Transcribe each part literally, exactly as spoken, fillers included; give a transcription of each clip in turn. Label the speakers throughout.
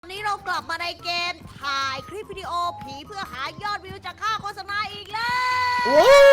Speaker 1: วันนี้เรากลับมาในเกมถ่ายคลิปวิดีโอผีเพื่อหายอดวิวจากค่าโฆษณาอีกแล้ว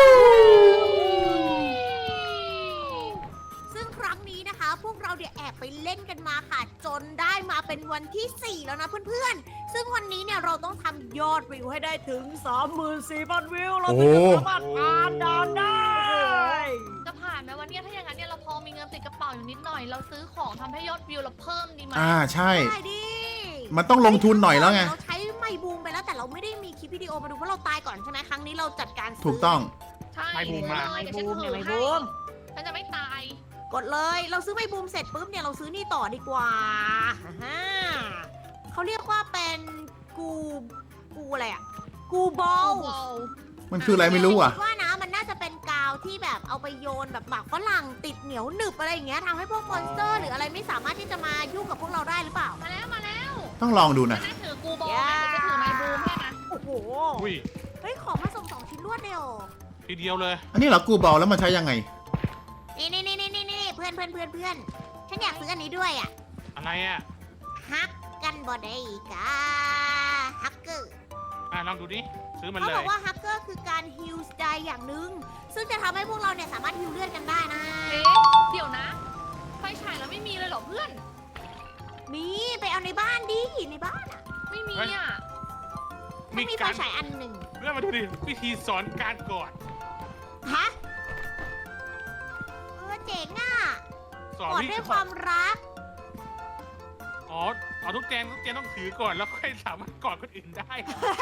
Speaker 1: ซึ่งครั้งนี้นะคะ พวกเราเดี๋ยวแอบไปเล่นกันมาค่ะ จนได้มาเป็นวันที่สี่แล้วนะเพื่อนๆซึ่งวันนี้เนี่ยเราต้องทำยอดวิวให้ได้ถึง สามหมื่นสี่พัน วิวเราถึงจะสามารถผ่านด่านได้
Speaker 2: จะผ่านไหมวันนี้ถ้าอย่างนั้นเนี่ยเราพอมีเงินติดกระเป๋าอยู่นิดหน่อยเราซื้อของทำให้ยอดวิวเราเพิ่มดีไหม
Speaker 3: อ่าใช่
Speaker 1: ได้ดิ
Speaker 3: มันต้องลงทุนหน่อยแล้วไง
Speaker 1: เราใช้ไมค์บูมไปแล้วแต่เราไม่ได้มีคลิปวิดีโอมาดูเพราะเราตายก่อนใช่ไหมครั้งนี้เราจัดการซื้
Speaker 3: ถูกต้อง
Speaker 2: ใช่
Speaker 4: ไม่บูมมา
Speaker 2: เลยเดี๋ยวฉันถือให้ฉันจะไม่ตาย
Speaker 1: กดเลยเราซื้อไมค์บูมเสร็จปุ๊บเนี่ยเราซื้อนี่ต่อดีกว่าฮ่าเขาเรียกว่าเป็นกูกูอะไรอะกูบอล
Speaker 3: มันคืออะไรไม่รู้อ่ะ
Speaker 1: คิดว่านะมันน่าจะเป็นกาวที่แบบเอาไปโยนแบบหมากฝรั่งติดเหนียวหนึบอะไรอย่างเงี้ยทำให้พวกมอนสเตอร์หรืออะไรไม่สามารถที่จะมายุ่งกับพวกเราได้หรือเปล่า
Speaker 2: มาแล้วมาแล้ว
Speaker 3: ต้องลองดู
Speaker 2: ฉั
Speaker 3: นะ
Speaker 2: นจะถือกูบอลนะเดี๋ยวจะถือไม้บูมให้นะ
Speaker 1: โอ้โห
Speaker 4: อุ้ย
Speaker 1: เฮ้ยของมาส่งสองชิ้นรวดเลยเหรอ
Speaker 4: ทีเดียวเลย
Speaker 3: อันนี้เหรอกูบอลแล้วมันใช้ยังไง
Speaker 1: นี่นี่นี่นี่นี่เพื่อนเพื่อนเพื่อนเพื่อนฉันอยากซื้ออันนี้ด้วยอ่ะ
Speaker 4: อะไรอ่ะ
Speaker 1: ฮักกันบอดอีกาฮักเกอร์
Speaker 4: อ่ะลองดูดิซื้อมัน
Speaker 1: เขา
Speaker 4: เล
Speaker 1: บอย กว่าฮักเกอร์คือการฮิลสไตล์อย่างหนึ่งซึ่งจะทำให้พวกเราเนี่ยสามารถฮิลเลือดกันได้นะ
Speaker 2: เอ๊ะเดี๋ยวนะ ไฟฉายเราไม่มีเลยเหรอเพื่อน
Speaker 1: มีไปเอาในบ้านดิในบ้านอ่ะ
Speaker 2: ไม่มีอ่ะ
Speaker 1: มันมีไฟ
Speaker 4: การ
Speaker 1: ฉายอันหนึ่ง
Speaker 4: เรื่องมาดูดิวิธีสอนการกอด
Speaker 1: ฮะเออเจ๋งอ่ะ
Speaker 4: สอน
Speaker 1: กอด
Speaker 4: วิ
Speaker 1: ด้วย
Speaker 4: ธี
Speaker 1: ความรัก
Speaker 4: อ๋อเอาทุกแจงทุกแจงต้องถือก่อนแล้วค่อยสามารถกอดคนอื่นได้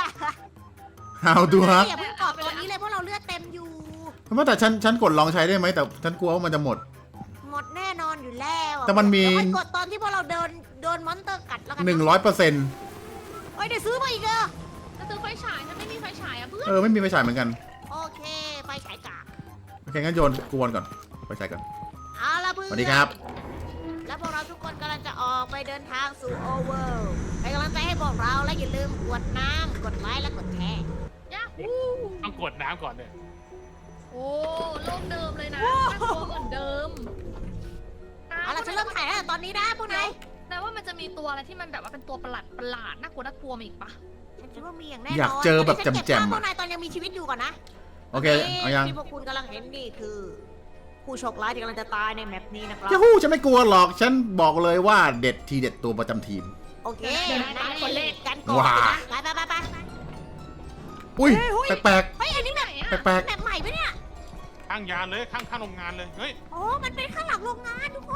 Speaker 3: How to ฮะ
Speaker 1: อย่าเพิ่งกอดตอนนี้เลยเพราะเราเลือดเต็มอยู่
Speaker 3: เพราะว่าแต่ฉันฉันกดลองใช้ได้ไหมแต่ฉันกลัวว่ามันจะหมด
Speaker 1: หมดแน่นอนอยู่แล้วอะ
Speaker 3: แต่มันมี
Speaker 1: เดี๋ยวค่อยกดตอนที่พวกเราเดินโดนมอนสเตอร์กัดแล้วกัน
Speaker 3: หนึ่งร้อยเปอร์เซ็นต์
Speaker 1: เฮ้ยเดี๋ยวซื้อมาอีกเหรอ
Speaker 2: จะซื้อไฟฉายฉันไม่มีไฟฉายอ่ะเพื่อน
Speaker 3: เออไม่มีไฟฉายเหมือนกัน
Speaker 1: โอเคไฟฉายกาก
Speaker 3: โอเคงั้นโยนกวนก่อนไฟฉายก่อน
Speaker 1: เอาละเพื่อน
Speaker 3: สวัสดีครับ
Speaker 1: และพวกเราทุกคนกำลังจะออกไปเดินทางสู่โอเวอร์เป็นกำลังใจให้พวกเราและอย่าลืมกดน้ำกดไลค์และกดแชร์
Speaker 2: ยาฮู
Speaker 4: ต้องกดน้ำก่อนเลย
Speaker 2: โอ้โลกเดิมเลยนะน่ากลัวเหมือนเดิม
Speaker 1: เอาล่ะฉันเริ่มถ่ายตั้งแต่ตอนนี้นะพวกนาย
Speaker 2: แต่ว่ามันจะมีตัวอะไรที่มันแบบว่าเป็นตัวประหลาดประหลาดน่ากลัวน่ากลัวมาอีกปะ
Speaker 1: ฉันคิดว่ามีอย่างแน่นอน
Speaker 3: อยากเจอแบบ
Speaker 1: ตนนี้ฉัน
Speaker 3: แจ่
Speaker 1: เก็
Speaker 3: มๆ
Speaker 1: ภาพพว
Speaker 3: อะ
Speaker 1: กนายตอนยังมีชีวิตอยู่ก่อนนะ
Speaker 3: โอเคเอายัง
Speaker 1: ที่พวกคุณกำลังเห็นนี่คือ ผู้โชคร้ายที่กำลังจะตายในแมปนี้นะครับ
Speaker 3: ยาฮูฉันไม่กลัวหรอกฉันบอกเลยว่าเด็ดทีเด็ดตัวประจำทีม
Speaker 1: โอเค
Speaker 2: เดี๋ยวนะตามคนเลข
Speaker 1: กันก่อน
Speaker 3: ว้า
Speaker 1: นะไปไปไปไป
Speaker 3: อุ้ย
Speaker 1: เฮ้ยเฮ้ย
Speaker 3: แปลก
Speaker 1: เฮ้ยอันนี้แบบ
Speaker 2: ไหนอะ
Speaker 3: ๆแปลก
Speaker 1: แมปใหม่ปะเนี่ย
Speaker 4: ข้างยานเลยข้างข้างโรงงานเลยเฮ้ย
Speaker 1: โอ้มันเป็นข้างหลังโรงงานทุกคน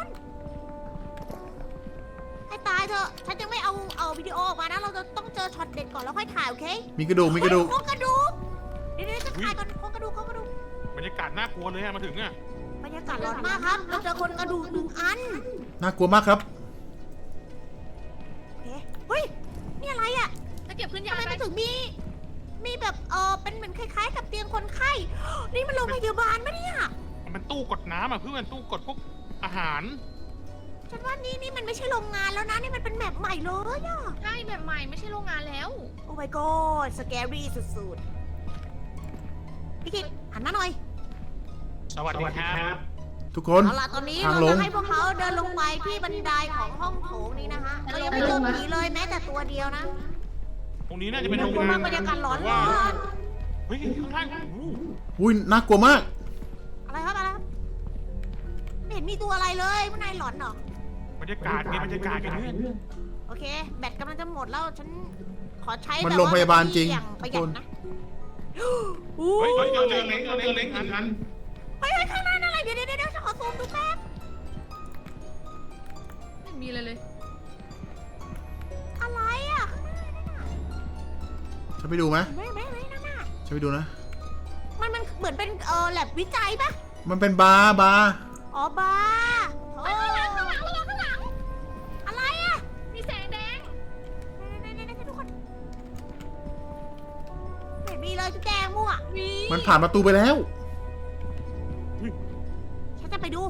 Speaker 1: ให้ตายเถอะ ฉันยังไม่เอาเอาวิดีโอออกมานะ เราจะต้องเจอช็อตเด็ดก่อนแล้วค่อยถ่ายโอเค
Speaker 3: ๆมีกระดูกมีกระดูก
Speaker 1: เฮ้ยโครงกระดูก เดี๋ยวๆจะถ่ายก่อนโครงกระดูกโครงกระดูก
Speaker 4: บรรยากาศน่ากลัวเลยอะมาถึงอะ
Speaker 1: บรรยากาศร้อนมากครับ เราเจอคนกระดูกหนึ่งอัน
Speaker 3: น่ากลัวมากครับ
Speaker 1: โอเคเฮ้ย นี่อะไรอ่ะ
Speaker 2: จะเก็บขึ้น
Speaker 1: ทำ
Speaker 2: ยา
Speaker 1: ไม
Speaker 2: ไป
Speaker 1: มันถึงมี มีแบบเออเป็นเหมือนคล้ายๆ กับเตียงคนไข้ นี่มันโรงพยาบาลปะเนี่ย
Speaker 4: มันเป็นตู้กดน้ำอ่ะเพื่อนตู้กดพวกอาหาร
Speaker 1: ฉันว่านี่นี่มันไม่ใช่โรงงานแล้วนะ นี่มันเป็นแมปใหม่เลยอะ
Speaker 2: ใช่แบบใหม่ไม่ใช่โรงงานแล้ว
Speaker 1: โอ้ my god สแกรี่สุดๆ พี่กิตหันมาหน่อย
Speaker 4: สวัสดีครับ
Speaker 3: ทุกคน
Speaker 1: เอาล่ะตอนนี้
Speaker 3: ทาง
Speaker 1: เรา
Speaker 3: ลง
Speaker 1: จะให้พวกเขาเดินลงไปที่บันไดของห้องโถงนี้นะคะเรายังไม่เจอผีเลยแม้แต่ตัวเดียวนะ
Speaker 4: ตรงนี้น่าจะเป็น
Speaker 1: น่า
Speaker 4: โรง
Speaker 1: กลัว
Speaker 4: งาม
Speaker 1: าน กบรรยากาศร้อน
Speaker 4: ว่า
Speaker 1: ร้อน
Speaker 4: เฮ้ยข้างล่างโอ้โห
Speaker 3: อุ้ยน่ากลัวมาก
Speaker 1: อะไรครับอะไรครับไม่เห็นมีตัวอะไรเลยพวกนายหลอนเหรอบ
Speaker 4: รรยากาศมีบรรยากาศกันเพื่อน
Speaker 1: โอเค แบตกำลังจะหมดแล้วฉันขอใช้
Speaker 3: มัน
Speaker 1: แบบ
Speaker 3: โรงพยาบาลจริง
Speaker 1: อย่างประหยัดนะ
Speaker 4: เฮ้ยเฮ้ยเจอเจอเล้งเจอเล้งเล้งอันนั้น
Speaker 1: เฮ้ยเฮ้ยข้างหน้านั่นอะไรเดี๋ยวเดี๋ยวเดี๋ยวฉันขอซูมดูแป๊บ
Speaker 2: ไม่มีเลยเลย
Speaker 1: อะไรอ่ะ
Speaker 3: ฉันไปดูไหม
Speaker 1: ไม่ไม่ไม่นั่นน่ะ
Speaker 3: ฉันไปดูนะ
Speaker 1: มันมันเหมือนเป็นเออแลบวิจัยปะ
Speaker 3: มันเป็นบาร์บาร์
Speaker 1: อ๋อบาร์โอ้
Speaker 2: ข้างหลังข้างหลังระวังข้างหลัง
Speaker 1: อะไรอ่ะ
Speaker 2: มีแสงแดง
Speaker 1: เดี๋ยวเดี๋ยวเดี๋ยวทุกคนไม่เห็นมีเลยจุ๊บแจงมั่ว
Speaker 2: มี
Speaker 3: มันผ่านประตูไปแล้ว
Speaker 1: ฉันจะไปดู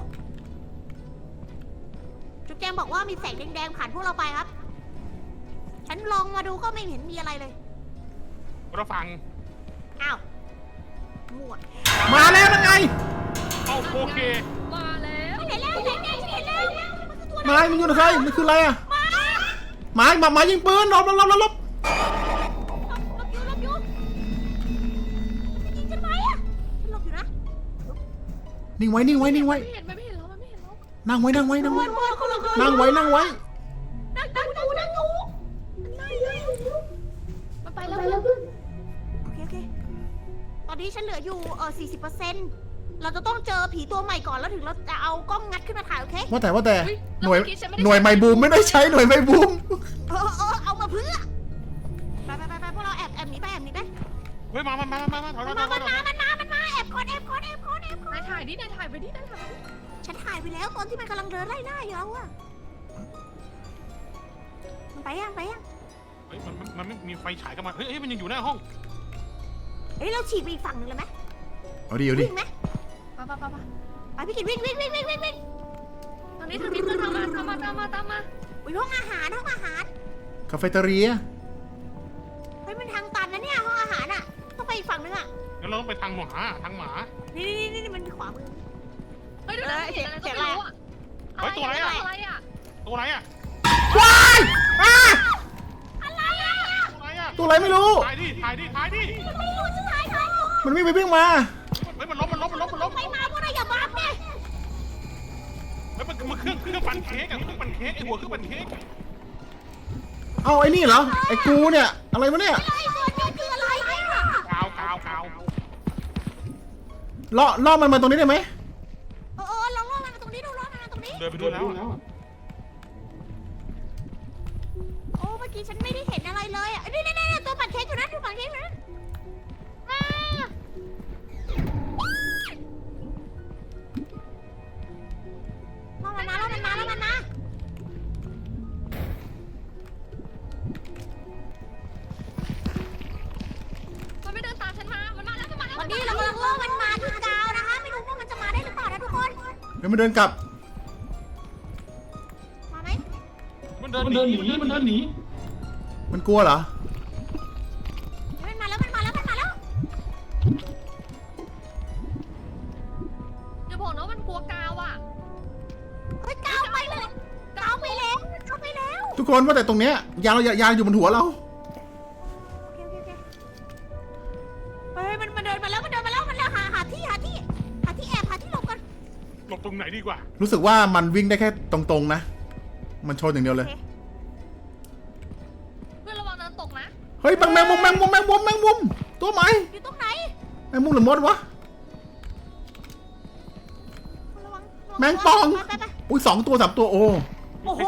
Speaker 1: จุ๊บแจงบอกว่ามีแสงแดงๆผ่านพวกเราไปครับ ฉันลองมาดูก็ไม่เห็นมีอะไรเลย
Speaker 4: เราฟัง
Speaker 1: อ้าวมั่ว
Speaker 3: มาแล้วนั่นไง
Speaker 4: เอาโอเค
Speaker 2: มาแล้ว
Speaker 1: ฉันเห็นแล้วฉันเห็นแล้วฉันเห็นแล้วมันคือตัวอะไร
Speaker 3: นายมันอยู่ไหนมันคืออะไรอ่ะ
Speaker 1: มา
Speaker 3: หมาหมาหมายิงปืนหลบหลบหลบหลบ
Speaker 1: หลบหลบอยู่หลบอยู่มันจะยิงฉันไหมอะฉันหลบอยู่นะ
Speaker 3: นิ่งไว้นิ่งไว้นิ่งไว้
Speaker 2: ไม่เห็นมันไม่เห็นเรามันไม่เห็นเรา
Speaker 3: นั่งไว้นั่งไว้นั่งไว้
Speaker 1: เพื่อนเขาหลบอยู่
Speaker 3: นั่งไว้นั่งไว้
Speaker 1: นั่งนั่งดูนั่งดูนั่งดู
Speaker 2: มันไปแล้วเพื่อน
Speaker 1: โอเคโอเคตอนนี้ฉันเหลืออยู่เออสี่สิบเปอร์เซ็นต์เราจะต้องเจอผีตัวใหม่ก่อนแล้วถึงเราจะเอากล้องงัดขึ้นมาถ่ายโอเค
Speaker 3: ว่าแต่ว่าแต่
Speaker 2: อุ๊
Speaker 3: หน่วย
Speaker 2: แล้วเมื่อกี้ฉัไม่ได้
Speaker 3: หน่วยไมบูมไม่ได้ใช้หน่วยไมบูม
Speaker 1: เออเออเอามาเพื่อไปไปไปไปพวกเราแอบแอบหนีไปแอบหนีไป
Speaker 4: เฮ้ยมามามามามาถอยถ
Speaker 1: มั
Speaker 4: อน ยถ
Speaker 1: มา
Speaker 4: อยถ
Speaker 1: มั
Speaker 4: อน ย
Speaker 1: มามันมามันมาแอบก่อนแอบก่อนแอบก่อนแอบก่อน
Speaker 2: นายถ่ายดินายถ่ายไปดินายถ่ายไปดิ
Speaker 1: ฉันถ่ายไปแล้วตอนที่มันกำลังเดินไล่ล่าอยู่แล้วอะมันไปยังไปยัง
Speaker 4: เฮ้ยมันมันมันไม่มีไฟฉายเข้ามาเฮ้ยเฮ้ยมันยังอยู่หน้าห้อง
Speaker 1: เฮ้ยเราฉีกไปอีกฝั่งหนึ่งเลยไหม
Speaker 3: เอาดิเอาดิ
Speaker 1: วิ่งไหม
Speaker 2: ไปไปไปไป
Speaker 1: ไปพี่กิตวิ่งวิ่งวิ่งวิ่งวิ่งวิ่ง
Speaker 2: ทางนี้ทางนี้เพื่อนตามมาตามมาตามมาตามมา
Speaker 1: อุ้ยห้องอาหารห้องอาหาร
Speaker 3: คาเฟ่เตอเรีย
Speaker 1: เฮ้ยมันทางตันนะเนี่ยห้องอาหารอะต้องไปอีกฝั่งหนึงอะ
Speaker 4: งั้นเราต้องไปทางหมาทางหมา
Speaker 1: นี่นี่นี่นี่มันขวามือ
Speaker 2: เฮ้ยเดี๋ยวนะเห็นอะไรก็ไม่รู้อะ
Speaker 4: เฮ้ยตัวอะไรอะ
Speaker 2: อะไรอะ
Speaker 4: ตัวไหนอะ
Speaker 3: ว้ายอ่ะ
Speaker 1: อะไรอะ
Speaker 4: ตัวไหนอะ
Speaker 3: ตัวอะไรไม่รู้
Speaker 4: ถ่ายดิถ่ายดิถ่ายดิ
Speaker 1: ไม่รู้จะถ่ายใครอยู่
Speaker 3: มันวิ่งไปวิ่งมา
Speaker 4: เฮ้ยมันล้มมันล้มมันล้มมันล้ม
Speaker 1: ไปมาพวกเราอย่าบังเนี่ย
Speaker 4: เฮ้ยมันมันเครื่องเครื่องปั่นเค้กอะเครื่องปั่นเค้กไอหัวเครื่องปั่นเค้ก
Speaker 3: เอาไอ้นี่เหรอไอ้กูเนี่ยอะไรวะเนี่ย
Speaker 1: ไอ้ตัวนี้คืออะไรเนี่ย
Speaker 4: กาวกาวกาว
Speaker 3: ล่อล่อมันมาตรงนี้ได้ไหม
Speaker 1: เออเออลองล่อมันมาตรงนี้ดูล่อมันมาตรงนี้
Speaker 4: เดินไปดูแล้ว
Speaker 1: โอ้เมื่อกี้ฉันไม่ได้เห็นอะไรเลยอ่ะนี่นี่นี่ตัวปั่นเค้กอยู่นั่นตัวปั่นเค้กอยู่นั่นอ่าล่อมันมาล่อมันมาล่อมันมา
Speaker 2: มันไม่เดินตามฉันมา มันมาแล้วมันมาแล้ว
Speaker 1: วันนี้เรากำลังล่อมันมาที่กาวนะคะไม่รู้ว่ามันจะมาได้หรือเปล่านะทุกคน
Speaker 3: เดี๋ยวมันเดินกลับ
Speaker 1: มาไหม
Speaker 4: มันเดินหนีมันเดินหนี
Speaker 3: มันกลัวเหรอ
Speaker 1: มันมาแล้วมันมาแล้วมันมาแล้ว
Speaker 2: อย่าบอกนะว่ามันกลัวกาวอ่ะ
Speaker 1: เฮ้ยกาวไปเลยกาวไปแล้วกาวไปแล้ว
Speaker 3: ทุกคนว่าแต่ตรงเนี้ยยานเรายานอยู่บนหัวเรา
Speaker 1: โอเคโอเคโอเคเฮ้ยมันมันเดินมาแล้วมันเดินมาแล้วมันแล้วหาหาที่หาที่หาที่แอบหาที่หลบกัน
Speaker 4: หลบตรงไหนดีกว่า
Speaker 3: รู้สึกว่ามันวิ่งได้แค่ตรงๆนะ มันชนอย่างเดียวเลย
Speaker 2: เพื่อนระวังเดินตกนะ
Speaker 3: เฮ้ยแมงมุมแมงมุมแมงมุมแมงมุมตัวไหม
Speaker 1: อยู่ตรงไหน
Speaker 3: แมงมุมหรือมดวะ
Speaker 1: ระวังระวั
Speaker 3: แมงป่อง
Speaker 1: ไปไปไป
Speaker 3: อุ้ยสองตัวสามตัวโอ้
Speaker 1: โอ้โห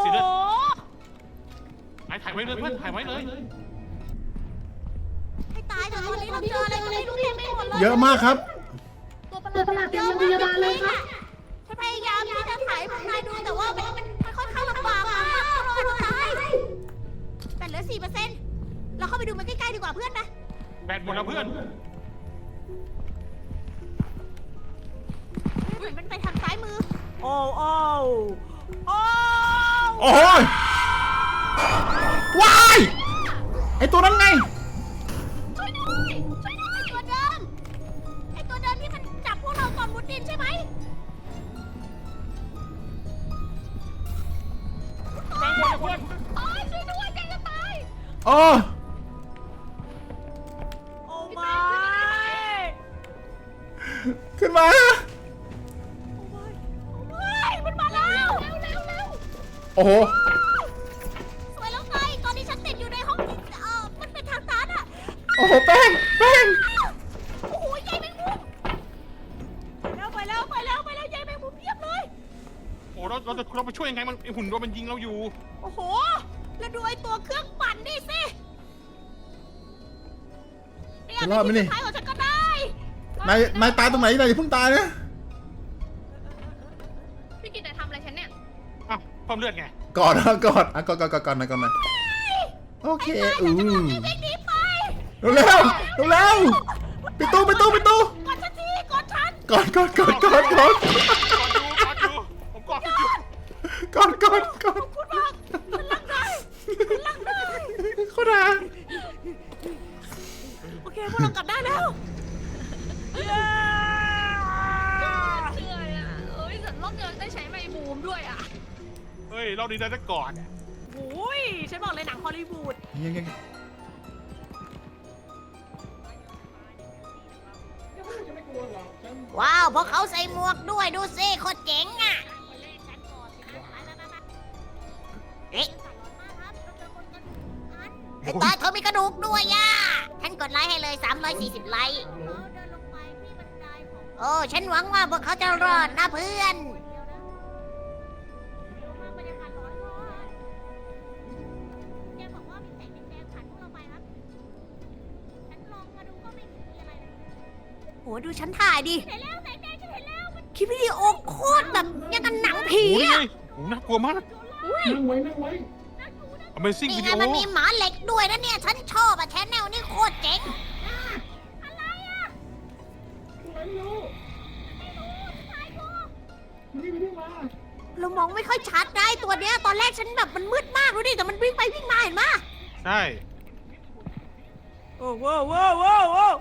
Speaker 4: ถ่ายถ่ายไว้เลยเพื่อนถ่ายไว้เลย
Speaker 1: ให้ตายเถอะตอนนี้เราเจออะไรก็ไม่รู้เต็มไปหมดเลย
Speaker 3: เยอะมากครับ
Speaker 2: ตัวประหลาดเต็มโรงพยาบาลเลยค่ะ
Speaker 1: ฉันพยายามที่จะถ่ายพวกนายดูแต่ว่ามันมันมันค่อนข้างลำบากมากรอดตายแต่เหลือสี่เปอร์เซ็นต์เราเข้าไปดูมันใกล้ๆดีกว่าเพื่อนนะ
Speaker 4: แบตหมดแล้วเพื่อน
Speaker 1: เหมือนมันไปทางซ้ายมือ โอ้โอ้โอ้
Speaker 3: โอ้ยว้ายไอตัวนั้นไง
Speaker 1: ช่วยด้วยช่วยด้วยไอตัวเดิมไอตัวเดิมที่มันจับพวกเราก่อนมุดดินใช่ไหม
Speaker 4: แบงค์หมดแล้วเพื่อน
Speaker 2: โอ้ยช่วยด้วยใจจะตาย
Speaker 3: โอ้
Speaker 1: โอ้ไม่
Speaker 3: ขึ้นมา
Speaker 1: โอ้ไม่มันมาแล้ว
Speaker 2: เร็วเร็วเร็ว
Speaker 3: โอ้โห
Speaker 1: สวยแล้วไงตอนนี้ฉันติดอยู่ในห้องที่เออมันเป็นทางตันอะ
Speaker 3: โอ้โหแป้งแป้ง
Speaker 1: โอ้โหยายแมงมุมไปแล้วไปแล้วไปแล้วไปแล้วยายแมงมุมเพียบเลย
Speaker 4: โอ้เราเราจะเราไปช่วยยังไงมันไอหุ่นเรามันยิงเราอยู่
Speaker 1: โอ้โห แล้วดูไอ้ตัวเครื่องปั่นนี่สิเนี่ย
Speaker 3: จะรอดไหมนี่
Speaker 1: ท้ายของฉันก็ได้
Speaker 3: นายนายตายตรงไหนนายอย่าเพิ่งตายนะ
Speaker 2: พี่กิตนายทำอะไรฉันเนี่ย
Speaker 4: อ้าวเพิ่มเลือดไง
Speaker 3: กอดนะกอดอ่ะกอดกอดกอดกอดหนะกอดหนะโอเค
Speaker 1: ไอ้
Speaker 3: อู้
Speaker 1: นายจะบอกไอ้วิ่งหนีไป
Speaker 3: เร็วเร็วเร็วปิดตู้ปิดตู้ปิดตู้
Speaker 1: กดฉันทีกดฉัน
Speaker 3: กอดกอดกอดกอดกอด
Speaker 4: กอดอยู่กอดอยู่ผมกอดอยู่
Speaker 3: กอดกอดกอด
Speaker 1: พูดมากฉันรักได้ฉันรักได้
Speaker 3: เขาด่า
Speaker 1: โอเคพวกเรากลับได้แล้วเย้
Speaker 2: เชื่อเนี่ยเอ้ยแต่รอบเดียวได้ใช้ไมค์บูมด้วยอ่ะ
Speaker 4: เฮ้ยเราดีใจจะกอด
Speaker 1: โอ้ยฉันฉันบอกเลยหนังฮอลลีวูด
Speaker 3: ยังยัง
Speaker 1: ว้าวพวกเขาใส่หมวกด้วยดูสิโคตรเจ๋งอ่ะเอ๊ะไอ้ตาเธอมีกระดูกด้วยย่าฉันกดไลค์ให้เลยสามร้อยสี่สิบไลค์โอ้ฉันหวังว่าพวกเขาจะรอดนะเพื่อนโหดูฉันถ่ายดิคลิปวิดีโอโคตรแบบยังกันหนังผี
Speaker 4: โอ้ย
Speaker 1: อะ
Speaker 4: โอ้น่ากลัวมาก
Speaker 5: นั่งไว้นั่งไว้
Speaker 4: Amazing
Speaker 1: นี่ไง
Speaker 4: Video
Speaker 1: มันมีหมาเหล็กด้วยนะเนี่ยฉันชอบอะแชนแนลนี่โคตรเจ๋ง
Speaker 5: อะไรไม่รู้ไม่รู้ไม่ได้มา
Speaker 1: เรามองไม่ค่อยชัดได้ตัวเนี้ยตอนแรกฉันแบบมันมืดมากดูดิแต่มันวิ่งไปวิ่งมาเห็นปะ
Speaker 4: ใช่
Speaker 1: โอ้โหโว้โว้โว้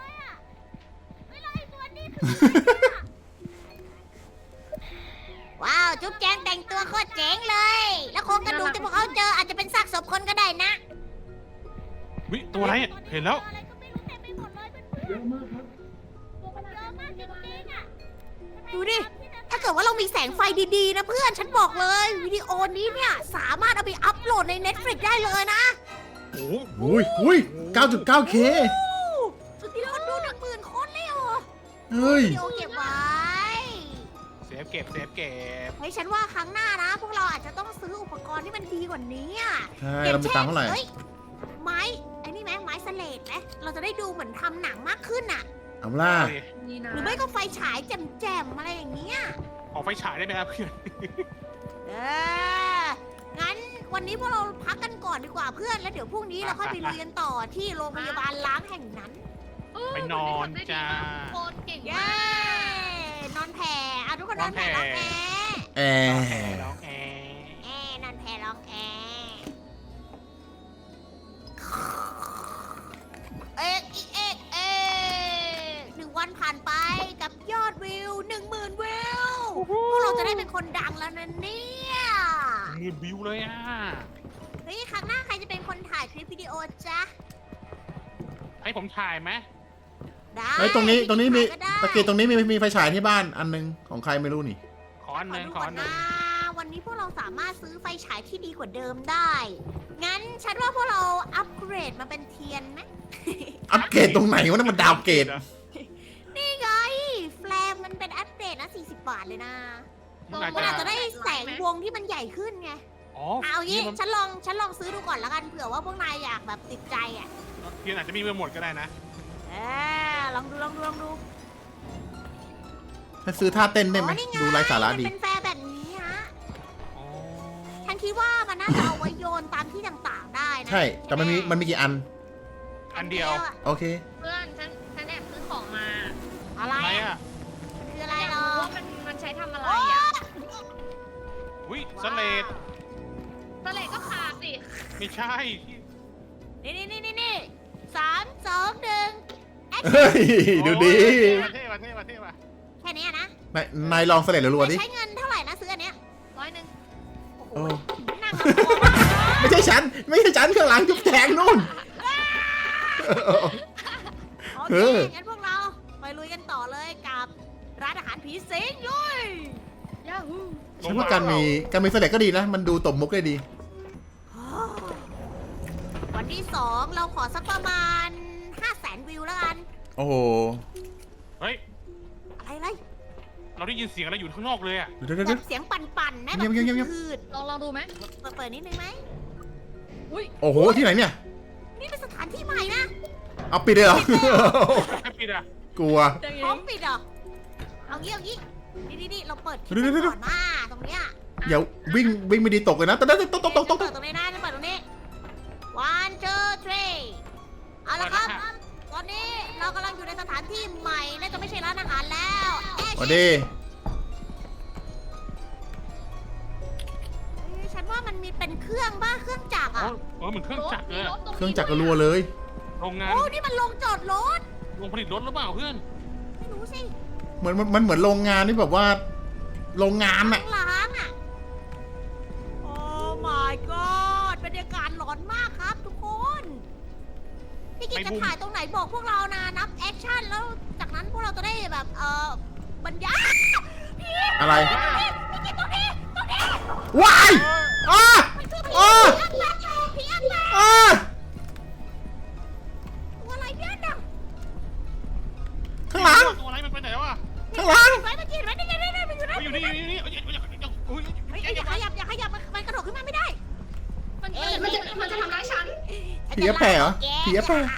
Speaker 1: ว้าวจุ๊บแจงแต่งตัวโคตรเจ๋งเลย แล้วโครงกระดูกที่พวกเขาเจออาจจะเป็นซากศพคนก็ได้นะ
Speaker 4: วิตัวอะไรอะเห็นแล้ว
Speaker 5: เยอะมากครับ
Speaker 1: ดูดิ ถ้าเกิดว่าเรามีแสงไฟดีๆนะเพื่อน ฉันบอกเลย วิดีโอนี้เนี่ย สามารถเอาไปอัพโหลดใน Netflix ได้เลยนะ
Speaker 4: โอ้โห
Speaker 3: อุ้ยอุ้ย เก้าจุดเก้าเค
Speaker 1: สุดที่คนดูหนึ่งหมื่นคนเลยเหรอ
Speaker 3: เฮ้ย
Speaker 1: วิดีโอเก็บไว้
Speaker 4: เซฟเก็บเซฟเก็บ
Speaker 1: เฮ้ยฉันว่าครั้งหน้านะ พวกเราอาจจะต้องซื้ออุปกรณ์ที่มันดีกว่านี้อะ
Speaker 3: ใช่เรามีตังค์เท่าไหร่
Speaker 1: ฮ้ยไม้ไอ้นี่ไหมไม้สเลดไหมเราจะได้ดูเหมือนทำหนังมากขึ้นอะ
Speaker 3: เอาล่ะ
Speaker 2: นี่นะ
Speaker 1: หรือไม่ก็ไฟฉายแจ่มๆอะไรอย่างเงี้ย
Speaker 4: ออกไฟฉายได้ไหมครับเพื่อน
Speaker 1: เออ งั้นวันนี้พวกเราพักกันก่อนดีกว่าเพื่อน แล้วเดี๋ยวพรุ่งนี้เราค่อยไปลุยกันต่อที่โรงพยาบาลล้างแห่งนั้น
Speaker 2: เออ
Speaker 4: ไปนอนจ้า
Speaker 2: โคตรเก่ง
Speaker 1: เย้
Speaker 2: มาก
Speaker 1: นอนแผ่อะทุกคนนอนแผ่
Speaker 4: น
Speaker 1: ร้
Speaker 4: อ
Speaker 1: อง
Speaker 4: นแผ่
Speaker 1: แอร์
Speaker 3: แอร์
Speaker 4: ร้องแอร์
Speaker 1: แอร์นอนแผ่ร้องแอร์เอ๊ะอีเอ๊ะเอ๊ะหนึ่งวันผ่านไปกับยอดวิวหนึ่งหมื่นวิว พวกเราจะได้เป็นคนดังแล้วนะเนี่ย
Speaker 4: มือบิวเลยอ่ะ
Speaker 1: เฮ้ยครั้งหน้าใครจะเป็นคนถ่ายคลิปวิดีโอจ๊ะ
Speaker 4: ให้ผมถ่ายไหม
Speaker 1: ได้
Speaker 3: เฮ้ยตรงนี้ตรงนี้มี
Speaker 1: ถ่ายก็ได้
Speaker 3: ตะเกียบตรงนี้มีมีไฟฉายที่บ้านอันหนึงของใครไม่รู้นี่
Speaker 4: ขออันหนึง
Speaker 1: ดู
Speaker 4: ขอ
Speaker 1: ก่อ
Speaker 4: อั
Speaker 1: น
Speaker 4: นหนึ
Speaker 1: นะ
Speaker 4: ง
Speaker 1: วันนี้พวกเราสามารถซื้อไฟฉายที่ดีกว่าเดิมได้ งั้นฉันว่าพวกเราอัปเกรดมาเป็นเทียนไหม
Speaker 3: อัปเกรดตรงไหนวะนั่นมันดาวเกรด
Speaker 1: นี่ไง แฟลมมันเป็นอัปเกรดนะสี่สิบบาทเลยนะ
Speaker 4: มันอาจ
Speaker 1: มันอาจ
Speaker 4: จะ
Speaker 1: จะได้แสงวงที่มันใหญ่ขึ้นไง
Speaker 4: อ๋อ
Speaker 1: เอางี้
Speaker 4: นี่มัน
Speaker 1: ฉันลองฉันลองซื้อดูก่อนแล้วกันเผื่อว่าพวกนายอยากแบบติดใจอ่ะ
Speaker 4: เทียนอาจจะมีไปหมดก็ได้นะ
Speaker 1: เออลองดูลองดูลองดู
Speaker 3: ถ้าซื้อท่าเต้นได้ไหม
Speaker 1: อ๋อนี่ง
Speaker 3: ดูไร้สาระดี
Speaker 1: มันเป็นแฟร์แบบนี้ฮะ
Speaker 4: อ๋อ
Speaker 1: ฉันคิดว่ามันน่าจะเอาไว้โยนตามที่ต่างๆได้นะ
Speaker 3: ใช่ แต่มันมีมันมีกี่อัน
Speaker 4: อันเดียว
Speaker 1: อะ
Speaker 3: โอเค
Speaker 2: เพื่อนฉันฉันแอบซื้อของมา
Speaker 1: อะไร
Speaker 4: ไหน
Speaker 1: อะ
Speaker 4: อ่ะ
Speaker 1: มันคืออะไร
Speaker 2: อยาก
Speaker 1: หรอ
Speaker 2: รู้ว่ามันมันใช้ทำอะไร
Speaker 1: โอ้
Speaker 2: อ่ะ
Speaker 4: วิสเลด
Speaker 2: สเลดก็ขาดสิ
Speaker 4: ไม่ใช่
Speaker 1: นี่นี่นี่นี่นี่สามสองหนึ่ง
Speaker 3: เฮ้ย ดูดี
Speaker 4: โอ้ยเท่ว่ะเท่ว่ะเท่ว่ะ
Speaker 1: แค่นี้อะนะ
Speaker 3: นายนายลองเสลดรัวๆดิ
Speaker 1: ใช้เงินเท่าไหร่นะซื้ออันเนี้ย
Speaker 2: ร้อยหนึ่ง
Speaker 1: โอ้โห
Speaker 3: โอ้
Speaker 1: นั่งแล้วตัวมาก
Speaker 3: ไม่ใช่ฉัน ไม่ใช่ฉันข้างหลังจุ๊บแจงนู่น
Speaker 1: โอ
Speaker 3: เอ
Speaker 1: เค
Speaker 3: อ
Speaker 1: งั้นพวกเราไปลุยกันต่อเลยกับร้านอาหารผีสิงลุย
Speaker 2: ยาฮู
Speaker 3: ฉันว่าการมีการมีเสลดก็ดีนะ มันดูตบมุกได้ดี
Speaker 1: วันที่สองเราขอสักประมาณห้าแสนวิวแล้วกัน
Speaker 3: โอ้โห
Speaker 4: เฮ้ย
Speaker 1: อะไรอะไร
Speaker 4: เราได้ยินเสียงอะไรอยู่ข้างนอกเลยอ่ะ
Speaker 3: เดี๋ยวเดี๋ยว
Speaker 1: แบ
Speaker 3: เดี๋ยว
Speaker 1: บเสียงปั่นๆนะแบ
Speaker 3: เงี
Speaker 1: บ
Speaker 3: ยบเงียบเงียบ
Speaker 1: คืด
Speaker 2: ลองลองดูไหม
Speaker 1: ๆเปิดเปิดนิดนึงไหม
Speaker 2: อุ้ย
Speaker 3: โอ้โห ที่ไหนเนี่ย
Speaker 1: นี่เป็นสถานที่ใหม่นะ
Speaker 3: เอาปิดเลยเหรอ
Speaker 4: ให้ปิดอ่ะ
Speaker 3: กลัว
Speaker 1: พร้อมปิดเหรอเอางี้เอางี้นี่นี่นี่เราเปิดคลิป
Speaker 3: เดี๋ยวเดี๋ยวเดี๋ยว
Speaker 1: ก่อนมาตรงเนี้ย
Speaker 3: อย่าวิ่งวิ่งไม่ดีตกเลยนะตกตกตกตกตกตก
Speaker 1: เปิดตรงนี้นะจะเปิดตรงนี้ one two three เอาละครับ ตอนนี้เรากำลังอยู่ในสถานที่ใหม่และจะไม่ใช่ร้านอาหารแล้วแอร์
Speaker 3: สวัส
Speaker 1: ชิ
Speaker 3: ดี
Speaker 1: เฮ้ยฉันว่ามันมีเป็นเครื่องบ้าเครื่องจักร
Speaker 4: อ๋อ
Speaker 1: อ่ะ
Speaker 4: เออเหมือนเครื่องจักรเลย
Speaker 2: มี
Speaker 4: อะ
Speaker 2: รถตรงนี้
Speaker 3: เครื่องจักรกระรัวเลย
Speaker 4: โรงงาน
Speaker 1: โอ้นี่มันลงจอดรถ
Speaker 4: โรงผลิตรถหรือเปล่าเพื่อน
Speaker 1: ไม่รู้สิ
Speaker 3: เหมือนมันมันเหมือนโรงงานที่แบบว่า โรงงานอะ
Speaker 1: ล้างอ่ะ โอ้ my god บรรยากาศพี่กิจ
Speaker 4: ไม่
Speaker 1: จะ
Speaker 4: บูม
Speaker 1: ถ่ายตรงไหนบอกพวกเรานะนับแอคชั่นแล้วจากนั้นพวกเราจะได้แบบเออบรรยาย
Speaker 3: อะไร
Speaker 1: พี่กิจตรงนี้ตรงนี้
Speaker 3: ว้ายอ้า
Speaker 1: มันคือผี
Speaker 3: อ้า
Speaker 1: อันแรกผีอันแรก
Speaker 3: อ้า
Speaker 1: ตัวอะไรเนี่ยดัง
Speaker 3: ข้างหลัง
Speaker 4: ตัวอะไรมันไปไหนวะ
Speaker 3: ข้างหลัง
Speaker 1: ไว้มันกินไว้นี่ไงนี่ไงมันอยู่นั่น
Speaker 4: อยู่นี่อยู่นี่อยู่นี่เอ้ยอย่าอย่าอุ้ย
Speaker 1: เฮ้ย
Speaker 4: อย่า
Speaker 1: อย่า
Speaker 4: อ
Speaker 1: ข
Speaker 4: ย่า
Speaker 1: ยับอย่าขยับมันมันกระโดดขึ้นมาไม่ได้
Speaker 2: มัน
Speaker 1: เอ้ย
Speaker 2: มันจะมันจะทำร้ายฉัน
Speaker 3: ผีแปะเหรอผีแปะ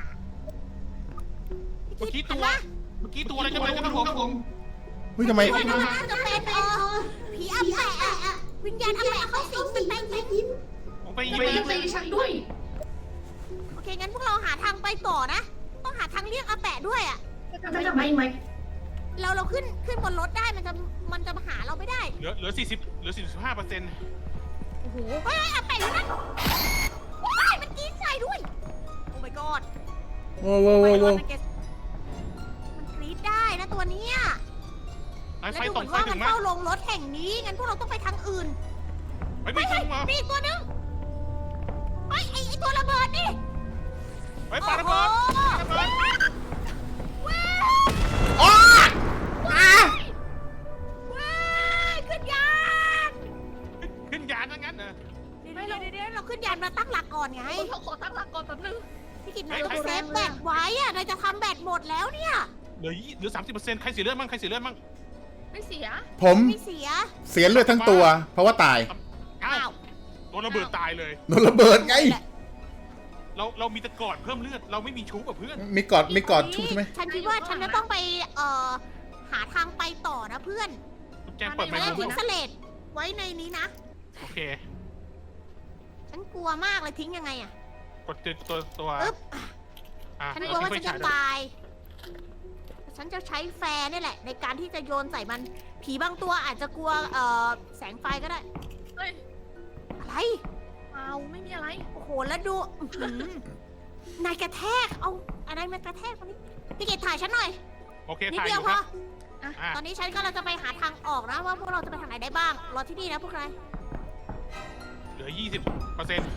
Speaker 4: เมื่อกี้ตัวเมื่อกี้ตัวอะไรกันเลยครับผม
Speaker 3: เฮ้ยทำไม
Speaker 1: มันน่าจะเป็นเออผีอัปแปะอะวิญญาณอัปแปะเขาสิงเป็นแป้งยิ้ม
Speaker 4: ผมไป
Speaker 2: อ
Speaker 4: ยิ
Speaker 2: ย่าง ไป
Speaker 4: ไป
Speaker 2: ยิงตีฉันด้วย
Speaker 1: โอเคงั้นพวกเราหาทางไปต่อนะ ต้องหาทางเลี่ยงอาแปะด้วยอ่ะ
Speaker 2: จะจะไม่ไหม
Speaker 1: เราเราขึ้นขึ้นบนรถได้มันจะมันจะมาหาเราไม่ได้
Speaker 4: เหลือเหลือสี่สิบเหลือสี่สิบห้าเปอร์เซ็นต์
Speaker 1: โอ้โหเฮ้ยอาแปะอยู่นั่นว้ายมันกินใส่ด้วย โอ้ my god
Speaker 3: โว้วโว้วโว้วโว้ว
Speaker 1: มันเกสมันกรีดได้นะตัวเนี้ย
Speaker 4: ไฟ
Speaker 1: และ
Speaker 4: ไฟ
Speaker 1: ดูเห
Speaker 4: ต
Speaker 1: มื
Speaker 4: ก
Speaker 1: อน
Speaker 4: ไฟ
Speaker 1: ว่า
Speaker 4: ถึ
Speaker 1: มัน
Speaker 4: งไหม
Speaker 1: เข้าลงรถแห่งนี้งั้นพวกเราต้องไปทางอื่น
Speaker 4: ไฟไม่ถึงมา
Speaker 1: มีอีกตัวหนึงไอ้ยไอ้ไอ้ตัวระเบิดนี่
Speaker 4: ไฟปาระเบิด
Speaker 1: โอ้โห
Speaker 4: ระเบิด
Speaker 1: ว้าว
Speaker 3: อ้าอ้า
Speaker 1: ว้าวขึ้นยาน
Speaker 4: ขึ้นยานทั้งนั้นเหรอ
Speaker 1: เดี๋ยวเดี๋ยวเดี๋ยวเดี๋ยวเราขึ้นยานมาตั้งหลักก่อนไง
Speaker 2: เราขอตั้งหลักก่อนแป๊บนึง
Speaker 1: พี่กินนายต้องเซฟแบตไว้อะนายจะทำแบตหมดแล้วเนี่ย
Speaker 4: เหลือเหลือสามสิบเปอร์เซ็นต์ใครเสียเลือดมั่งใครเสียเลือดมั่ง
Speaker 2: ไม่เสีย
Speaker 3: ผม
Speaker 1: ไม่เสีย
Speaker 3: เสียเลือดทั้งตัว เพราะว่าตาย
Speaker 4: อ้า
Speaker 1: อ้าว ว
Speaker 4: โดนระเบิดตายเลย
Speaker 3: โดนระเบิดไง
Speaker 4: เราเรามีแตะกอดเพิ่มเลือดเราไม่มีชูบกับเพื่อน
Speaker 3: มีกอดมีกอดชุบใช่ไหม
Speaker 1: ฉันคิดว่าฉันจะต้องไปเอ่อหาทางไปต่อนะเพื่อน
Speaker 4: ทุกแจงเปิดไม
Speaker 1: ไม่
Speaker 4: ค์
Speaker 1: ได้
Speaker 4: ดู
Speaker 1: ทิ้งสเลดไว้ในนี้นะ
Speaker 4: โอเค
Speaker 1: ฉันกลัวมากเลยทิ้งยังไงอะ
Speaker 4: กดตัวตัวตัว
Speaker 1: อึ๊บ
Speaker 4: อ่ะ
Speaker 1: ฉันก
Speaker 4: เอ
Speaker 1: ลัว
Speaker 4: อ
Speaker 1: ว่า
Speaker 4: ทิ้ง
Speaker 1: ฉัน
Speaker 4: ไฟ
Speaker 1: จะ
Speaker 4: ฉายด้วย
Speaker 1: ตาย ฉันจะใช้แฟร์นี่แหละ ในการที่จะโยนใส่มัน ผีบางตัวอาจจะกลัวเอ่อแสงไฟก็ได้
Speaker 2: เฮ้ย
Speaker 1: อะไร
Speaker 2: เอาไม่มีอะไร
Speaker 1: โอ้โห แล้วดูอื้อหือนายกระแทก เอาอะไรมากระแทกตรงนี้ พี่เกดถ่ายฉันหน่อย
Speaker 4: โอเค
Speaker 1: นิด
Speaker 4: ถ่าย
Speaker 1: เดี
Speaker 4: อ
Speaker 1: ยว
Speaker 4: ยู่
Speaker 1: พ
Speaker 4: ค
Speaker 1: อ
Speaker 4: รับ
Speaker 2: อ่ะ
Speaker 4: อ่ะ
Speaker 1: ตอนนี้ฉันก็เราจะไปหาทางออกนะว่าพวกเราจะไปทางไหนได้บ้าง รอที่นี่นะพวกนาย
Speaker 4: เหลือยี่สิบเปอร์เซ็นต์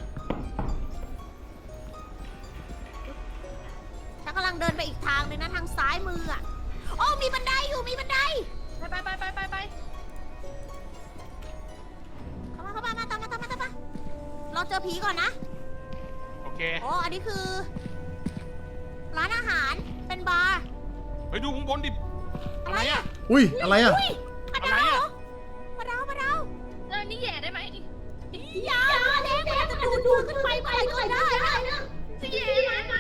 Speaker 1: ฉันกำลังเดินไปอีกทางเลยนะทางซ้ายมืออ่ะโอ้มีบันไดอยู่ มีบันได
Speaker 2: ไปไปไปไปไปไป
Speaker 1: เข้ามาเข้ามามาตามมาตามมาตามมา เราเจอผีก่อนนะ
Speaker 4: โอเค
Speaker 1: โอ้อันนี้คือ ร้านอาหาร เป็นบาร์
Speaker 4: ไปดูข้างบนดิอะไรอ่ะ
Speaker 3: อุ้ย อะไรอ่ะ
Speaker 1: ยปลา
Speaker 4: อะไร
Speaker 1: ดาว
Speaker 4: อะ
Speaker 1: ปลาดาวปลาดาว
Speaker 2: เออนี่แย่ได้ไหม
Speaker 1: อย่าเด็กมันจะดูดดูดขึ้นไปเมื่อไหร่ก็ได้นะ
Speaker 2: จะแย่ไหม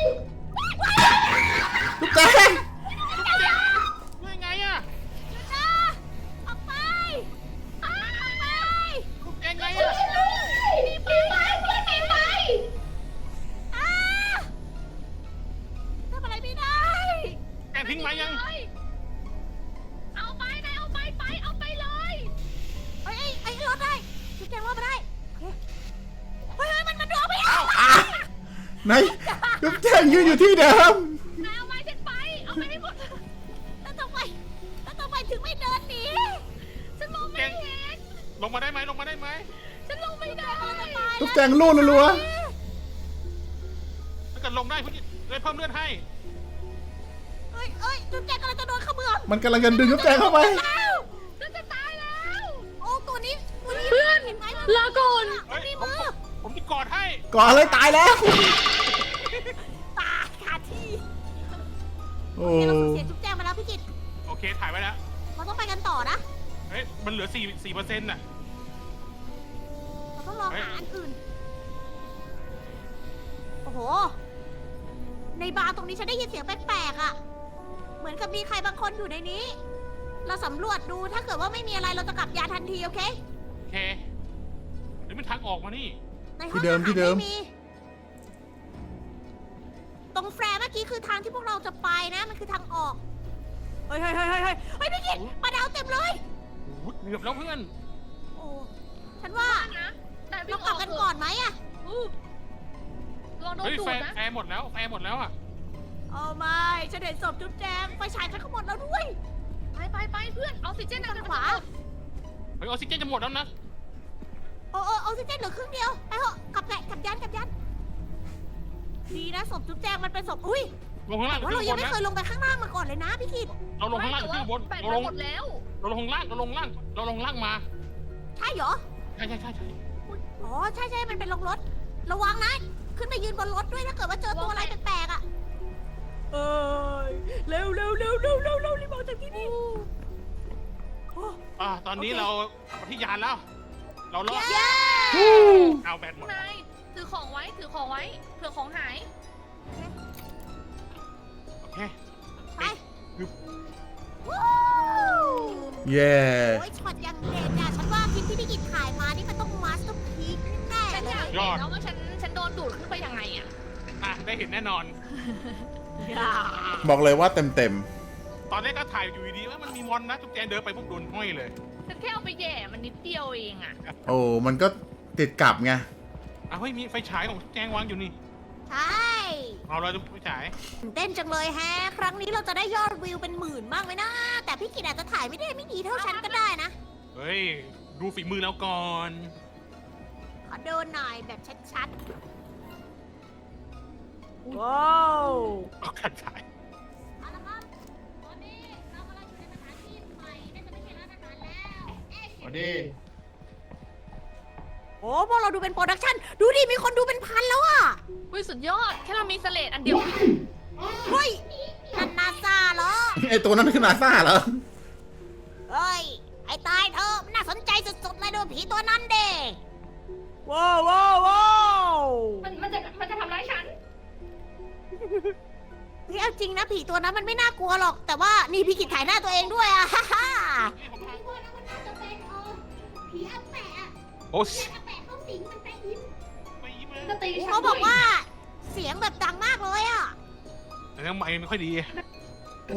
Speaker 3: ทุกแจง
Speaker 4: ยังไงอ่ะ
Speaker 1: นะออกไปออกไป
Speaker 4: ยังไงอ่ะ
Speaker 1: มีไปมีไปไปอ้าทำอะไรไม่ได้
Speaker 4: แกทิ้งไม้ยัง
Speaker 2: เอาไปไหนเอาไปไปเอาไปเลย
Speaker 1: เอ้ยไอ้ไอ้รถได้จุดแจงรถมาได้โอเคเฮ้ยเฮ้ยมันมันดูเอาไปเอา
Speaker 3: อ่ะไหนทุกแจงยืนอยู่ที่เดิม
Speaker 2: นายเอาไม้ฉันไป เอาไปให้หมด
Speaker 1: แล้วทำไมแล้วทำไมถึงไม่เดินหนี
Speaker 2: ฉันมองไม่เห็น
Speaker 4: ลงมาได้ไหมลงมาได้ไหม
Speaker 2: ฉันลงไม่ได้
Speaker 3: ทุกแจงลู่รัว
Speaker 4: ถ้าเกิดลงได้พี่เลยเพิ่มเลือดให้
Speaker 1: เอ้ยเอ้ยจุดแจงกำลังจะโดนเขมือบ
Speaker 3: ๆมันกำลังจะดึงทุกแจงเข้าไป
Speaker 1: แล้ว
Speaker 2: ฉันจะตายแล้ว
Speaker 1: โอ้ตัวนี้ตัวนี้
Speaker 2: เพื่อน
Speaker 1: เห็นไหม
Speaker 2: ลาก่อน
Speaker 4: เฮ้ย
Speaker 1: มี
Speaker 4: ผม
Speaker 1: มือ
Speaker 4: ผมจะกอดให้
Speaker 3: ก่อนอะไรตายแล้ว
Speaker 1: ตายคาที่
Speaker 3: โอ้
Speaker 1: โอเคเราสูญเสียจุดแจงมาแล้วพี่กิต
Speaker 4: โอเคถ่ายไว้แล้ว
Speaker 1: เราต้องไปกันต่อนะ
Speaker 4: เฮ้ยมันเหลือสี่สี่เปอร์เซ็นต์น่ะ
Speaker 1: เราต้องลองหาอันอื่น โอ้โห ในบาร์ตรงนี้ฉันได้ยินเสียงแปลกๆอ่ะ เหมือนกับมีใครบางคนอยู่ในนี้ เราสำรวจดูถ้าเกิดว่าไม่มีอะไรเราจะกลับยานทันทีโอเค
Speaker 4: โอเคเดี๋ยวมันทางออกมานี่
Speaker 1: ในห้องอาหารไม่มี ตรงแฟร์เมื่อกี้คือทางที่พวกเราจะไปนะ มันคือทางออก เฮ้ยเฮ้ยเฮ้ยเฮ้ยเฮ้ยเฮ้ยพี่กิตปลาดาวเต็มเลย
Speaker 4: โอ้โหเกือบแล้วเพื่อน
Speaker 1: โอ้ ฉันว่า
Speaker 2: นะนายวิ่
Speaker 1: เรา
Speaker 2: ง
Speaker 1: กลับกันก่อนไหมอะ
Speaker 2: อู้ลองโดน
Speaker 4: เฮ้ย
Speaker 2: ดู
Speaker 4: แฟ
Speaker 2: ด
Speaker 4: ร์
Speaker 2: นะ
Speaker 4: แฟร์หมดแล้วแฟร์หมดแล้วอ่ะ
Speaker 1: เอาไม่ ฉันเห็นศพจุ๊บแจงไฟฉายฉันก็หมดแล้วด้วย
Speaker 2: ไปไปไปเพื่อนออกซิเจน
Speaker 1: ทางขวา
Speaker 4: เฮ้ยออกซิเจนจะหมดแล้วนะ
Speaker 1: โอ้โอ้ออกซิเจนเหลือครึ่งเดียว ไปเถอะกลับแหละกลับยันกลับยันดีนะศพจุ๊บแจงมันเป็นศพอุ้ย
Speaker 4: ลงข้างล่าง
Speaker 1: แต่
Speaker 4: หรือ
Speaker 1: ว่าเรา
Speaker 4: ขึ้น
Speaker 1: ยัง
Speaker 4: ข้างบนนะ
Speaker 1: ไม่เคยลงไปข้างล่างมาก่อนเลยนะพี่กิต
Speaker 4: เราลงข้างล่างหรือขึ้นข้างบน
Speaker 2: แบ่ง
Speaker 4: เรา
Speaker 2: ไป
Speaker 4: ลง
Speaker 2: หมดแล้ว
Speaker 4: เราลงข้างล่างเราลงล่างเราลงล่างมา
Speaker 1: ใช่เหรอ
Speaker 4: ใช่ใช่ใช่ใช่
Speaker 1: อ๋อใช่ใช่มันเป็นลงรถ ระวังนะ ขึ้นไปยืนบนรถด้วยถ้าเกิดว่าเจอตัวอะไรแปลกๆอ่ะ เอ้ยเร็วเร็วเร็วเร็วเร็วเร็วรีบออกจากที่นี่
Speaker 4: อ่าตอนนี้
Speaker 1: โอเค
Speaker 4: เราไปที่ยานแล้ว เรารอด
Speaker 1: เย้
Speaker 4: เอาแบตหมด
Speaker 2: นายถือของไว้ถือของไว้เผื่อของหาย
Speaker 4: โอเค
Speaker 1: ไป
Speaker 4: คือ
Speaker 1: วู้
Speaker 3: เย้
Speaker 1: โอ้ยช็อตยังเด็ดอ่ะฉันว่าคลิปที่พี่กิตถ่ายมานี่มันต้องมาสเตอร์พีคแน่
Speaker 2: ฉัน
Speaker 1: ๆเล
Speaker 2: อยาก
Speaker 1: ย
Speaker 2: เห็นแล้วว่าฉันฉันโดนดูดขึ้นไปยังไงอะ
Speaker 4: อ่ะได้เห็นแน่นอน
Speaker 3: บอกเลยว่าเต็มเต็ม
Speaker 4: ตอนแรกก็ถ่ายอยู่ดีๆว่ามันมีมอนนะจุ๊บแจงเดินไปปุ๊บโดนห้อยเลย
Speaker 2: ฉันแค่เอาไปแย่มันนิดเดียวเองอะ
Speaker 3: ๆโอ้มันก็ติดกลับไง
Speaker 4: อ่ะเฮ้ยมีไฟฉายของจุ๊บแจงวางอยู่นี่
Speaker 1: ใช่
Speaker 4: เอาเราจะไฟฉาย
Speaker 1: ตื่นเต้นจังเลยแฮะ ครั้งนี้เราจะได้ยอดวิวเป็นหมื่นบ้างไหมนะ แต่พี่กิตอาจจะถ่ายไม่ได้ไม่ดีเท่าฉันก็ได้นะ
Speaker 4: เฮ้ยดูฝีมือแล้วก่อน
Speaker 1: ขอดูหน่อยแบบชัดๆ ว้าว
Speaker 4: เอาขัดฉาย
Speaker 1: เอาละครับตอนนี้เรากำลังอยู่ในสถานที่ใหม่น่าจะไม่ใช่ร้านอาหารแล้วเอ๊ะ
Speaker 3: สวัสดี
Speaker 1: โอ้พวกเราดูเป็นโปรดักชั่น ดูดิ มีคนดูเป็นพันแล้วอะ
Speaker 2: วิสุดยอดแค่เรามีสเลดอันเดียว
Speaker 1: เฮ้ยนั่นนาซาเหรอ
Speaker 3: ไอตัวนั้นคือนาซ่าเหรอ
Speaker 1: เฮ้ย ไอ้ตายเธอะน่าสนใจสุดๆเลยดูผีตัวนั้นเด้ว้าวว้าวว้าว
Speaker 2: มันมันจะมันจะทำร้ายฉัน
Speaker 1: พี่เอาจริงนะผีตัวนั้นมันไม่น่ากลัวหรอก แต่ว่านี่พี่กิจถ่ายหน้าตัวเองด้วยอะ ฮ่าฮ่า
Speaker 4: นี่ผม
Speaker 1: พี่ว่านะมันน่าจะเป็นเออผีอาแปะอะ
Speaker 4: โอ้
Speaker 1: ผีอาแปะเข้าสิงมันไปยิ้ม
Speaker 4: ไปยิ้มเลย
Speaker 2: จะตีฉัน
Speaker 1: เขาบอกว่าเสียงแบบดังมากเลยอะ
Speaker 4: แต่ยังไม่ไม่ค่อยดี
Speaker 5: โอ้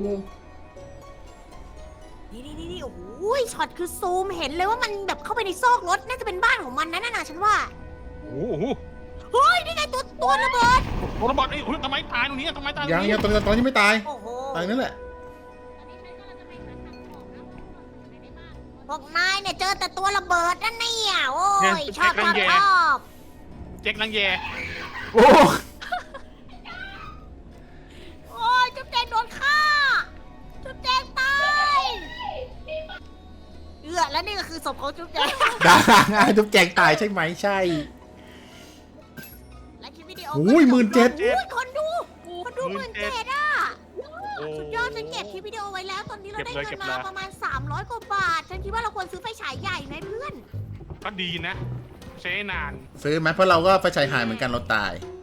Speaker 1: นี่นี่นี่โอ้โหช็อตคือซูมเห็นเลยว่ามันแบบเข้าไปในซอกรถน่าจะเป็นบ้านของมันนะน่ะฉันว่า
Speaker 4: โอ้โห
Speaker 1: เฮ้ยนี่ไงตัวตัวระเบิด
Speaker 4: โอ้ระเบิดไอ้ยทำไมตายตรงนี้ทำไมตายตร
Speaker 3: ยัง
Speaker 4: งนี้
Speaker 3: ยังตอนตอนที่ไม่ตาย
Speaker 1: โอ้โห
Speaker 3: ตายนั่นแหละ
Speaker 1: พวกนายเนี่ยเจอแต่ตัวระเบิดนั่นเนี่ยโอ้ยชอบชอบชอบ
Speaker 4: เจ๊กลังแย
Speaker 3: โอ้
Speaker 1: โอ้ยจุ๊บแจงโดนฆ่าจุ๊บแจงตายเอือแล้วนี่ก็คือศพของจุ๊บแจง
Speaker 3: ได้ทุกแจงตายใช่ไหมใช่
Speaker 1: และคลิปวิดีโอ
Speaker 3: โอ้ยหมื่นเจ็ด
Speaker 1: โอ้ยคนดูคนดูหมื่นเจ็ดอ่ะสุดยอดฉันเก็บคลิปวิดีโอไว้แล้วตอนนี้เราได้เงินมาประมาณสามร้อยกว่าบาทฉันคิดว่าเราควรซื้อไฟฉายใหญ่ไหมเพื่อน
Speaker 4: ก็ดีนะ ใช้นาน
Speaker 3: ซื้อไหมเพราะเราก็ไฟฉายหายเหมือนกันเราตาย